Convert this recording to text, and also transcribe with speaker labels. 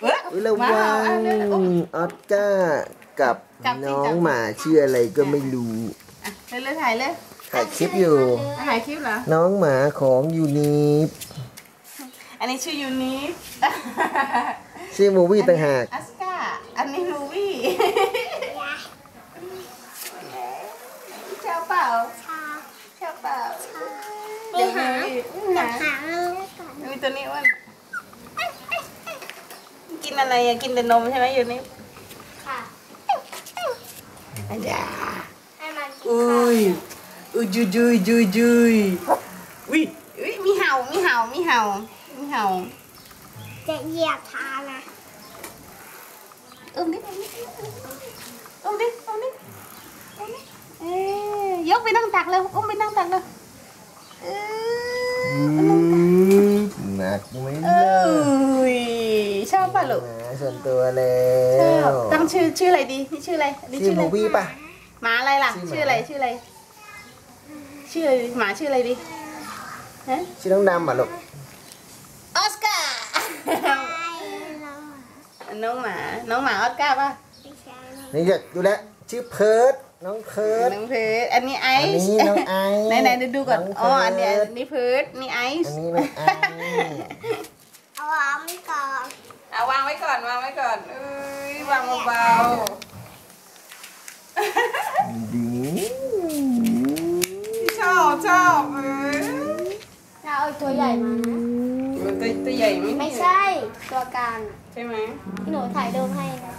Speaker 1: ระวังออสการ์กับน้องหมาชื่ออะไรก็ไม่รู้
Speaker 2: เลยถ่ายเลย
Speaker 1: ถ่ายคลิปอยู่
Speaker 2: ถ่ายคลิปเหรอ
Speaker 1: น้องหมาของยูนิฟ
Speaker 2: อันนี้ชื่อยูนิฟ
Speaker 1: ชื่อมูวี่ต่างหาก
Speaker 2: ออสการ์อันนี้มูวี่ชอบเปล่าชอบเปล่าเดี๋ยวหามีตัวนี้ว่ากินอะไรอะกินแต่นมใช่ไหมยูนิฟค่ะอุ้ยจุยอุ้ยมีเห่า
Speaker 3: จะเหยียบเท้านะ
Speaker 2: ดิยกไปนั่งตักเลยไปนั่งตักเลย
Speaker 1: หนักไหม
Speaker 2: ชอบป่ะลูก
Speaker 1: ส่วนตัวแล้ว
Speaker 2: ตั้งชื่ออะไรดีนี่ชื่ออะไร
Speaker 1: ชื่อมูวี่ป่ะ
Speaker 2: หมาอะไรล่ะชื่ออะไรหมาชื่ออะไรดี
Speaker 1: ชื่อน้องดำป่ะลูก
Speaker 2: ออสการ์น้องหมาออสการ์ป่ะ
Speaker 1: นี่จะดูแลชื่อเพิร์ดน้องเพิร์ด
Speaker 2: อันนี้ไอซ์
Speaker 1: อันนี้น้องไอซ์
Speaker 2: ไหนดูก่อนอ๋ออันนี้เพิร์ดนี่ไอซ์
Speaker 1: อันนี้น้องไอซ์
Speaker 3: เอาวางไว้ก่อน
Speaker 2: วางไว้ก่อนวางเบาชอบ
Speaker 3: เอาตัวใหญ่มา
Speaker 2: ตัวใหญ่
Speaker 3: ไม่ใช่ตัวกลาง
Speaker 2: ใช่ไหม
Speaker 3: ที่หนูถ่ายรูปให้นะ